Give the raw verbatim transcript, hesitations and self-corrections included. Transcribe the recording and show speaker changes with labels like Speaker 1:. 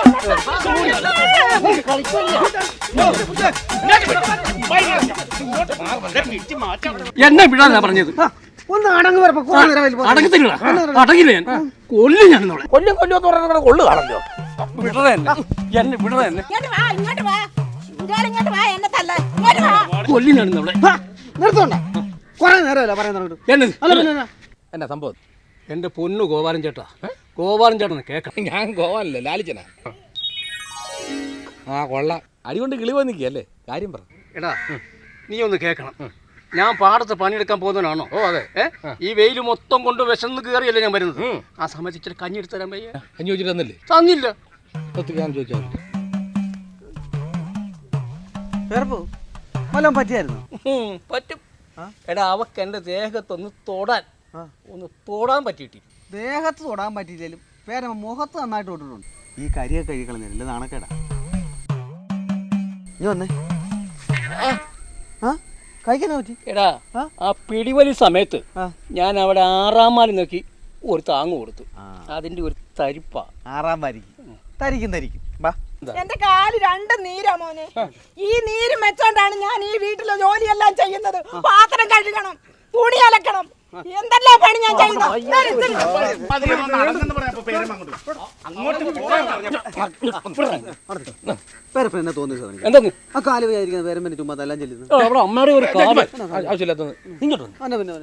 Speaker 1: എന്നെ വിടാനാ പറഞ്ഞത്.
Speaker 2: ഒന്ന് അടങ്ങ്
Speaker 1: അടങ്ങത്തില്ല, അടങ്ങില്ല. ഞാൻ കൊല്ലും. ഞാൻ
Speaker 3: കൊല്ലും കൊല്ലും എന്ന് പറഞ്ഞാൽ കൊള്ളു കാണല്ലോ.
Speaker 1: വിടറ തന്നെ, എന്നെ വിടറ തന്നെ. കൊല്ലും ഞാൻ നമ്മളെ.
Speaker 2: നിർത്തോണ്ട, കൊറേ നേരമല്ല പറയുന്നുണ്ട്.
Speaker 3: എന്നാ സംഭവം?
Speaker 1: എന്റെ പൊന്നു ഗോപാലൻ ചേട്ടാ, ഗോപാലൻ ചേട്ടനെ കേക്കണം.
Speaker 3: ഞാൻ ഗോവാനല്ലേ, ലാലിച്ചനാ. ആ കൊള്ളാം, അടികൊണ്ട് കിളി പോയി നിൽക്കുകയല്ലേ, കാര്യം പറ.
Speaker 1: എടാ നീ ഒന്ന് കേക്കണം. ഞാൻ പാടത്ത് പണിയെടുക്കാൻ പോകുന്നവനാണോ?
Speaker 3: ഓ അതെ.
Speaker 1: ഈ വെയിൽ മൊത്തം കൊണ്ട് വിശന്ന് കയറിയല്ലേ ഞാൻ വരുന്നത്. ആ സമയത്ത് ഇച്ചിരി കഞ്ഞി എടുത്ത് തരാൻ വയ്യ.
Speaker 3: കഞ്ഞി ചോദിച്ചിട്ട് തന്നില്ലേ?
Speaker 1: തന്നില്ല.
Speaker 3: ഞാൻ ചോദിച്ചാൽ
Speaker 2: വല്ലതും പറ്റിയായിരുന്നു?
Speaker 1: പറ്റും. എടാ അവക്ക് എന്റെ ദേഹത്തൊന്ന് തൊടാൻ ഒന്ന് തൊടാൻ പറ്റിയിട്ടി.
Speaker 2: ദേഹത്ത് തൊടാൻ പറ്റിയില്ലേലും പേര മുഖത്ത് നന്നായിട്ട് തൊട്ടിട്ടുണ്ട്. ഈ കരിയൊക്കെ കഴിക്കളഞ്ഞില്ല, നാണക്കേടാ. നീ വന്നേ. ആ കഴിക്കാനാ പറ്റി?
Speaker 1: എടാ ആ പിടിവലി സമയത്ത് ഞാൻ അവിടെ ആറാം മാലി നോക്കി ഒരു താങ്ങ് കൊടുത്തു. അതിന്റെ ഒരു തരിപ്പാ.
Speaker 2: ആറാം വാരിക്കും തരിക്കും തരിക്കും.
Speaker 4: എന്റെ കാല് രണ്ട് നീരാ മോനെ. ഈ നീര് വെച്ചോണ്ടാണ് ഞാൻ ഈ വീട്ടിലെ ജോലിയെല്ലാം ചെയ്യുന്നത്. പാത്രം കഴുകണം, തുണി അലക്കണം, എന്തെല്ലാം പണി ഞാൻ ചെയ്യുന്നത്.
Speaker 2: പേരപ്പ എന്നെ തോന്നിയത്
Speaker 1: എന്തെന്ന്
Speaker 2: ആ കാല് വിചാരിക്കുന്നത് പേരമ്പനെ ചുമ്മാ എല്ലാം ചെല്ലുന്നത്.
Speaker 1: അവിടെ അമ്മയുടെ ഒരു കാര്യം
Speaker 3: ആവശ്യമില്ലാത്തത്
Speaker 2: ഇങ്ങോട്ട്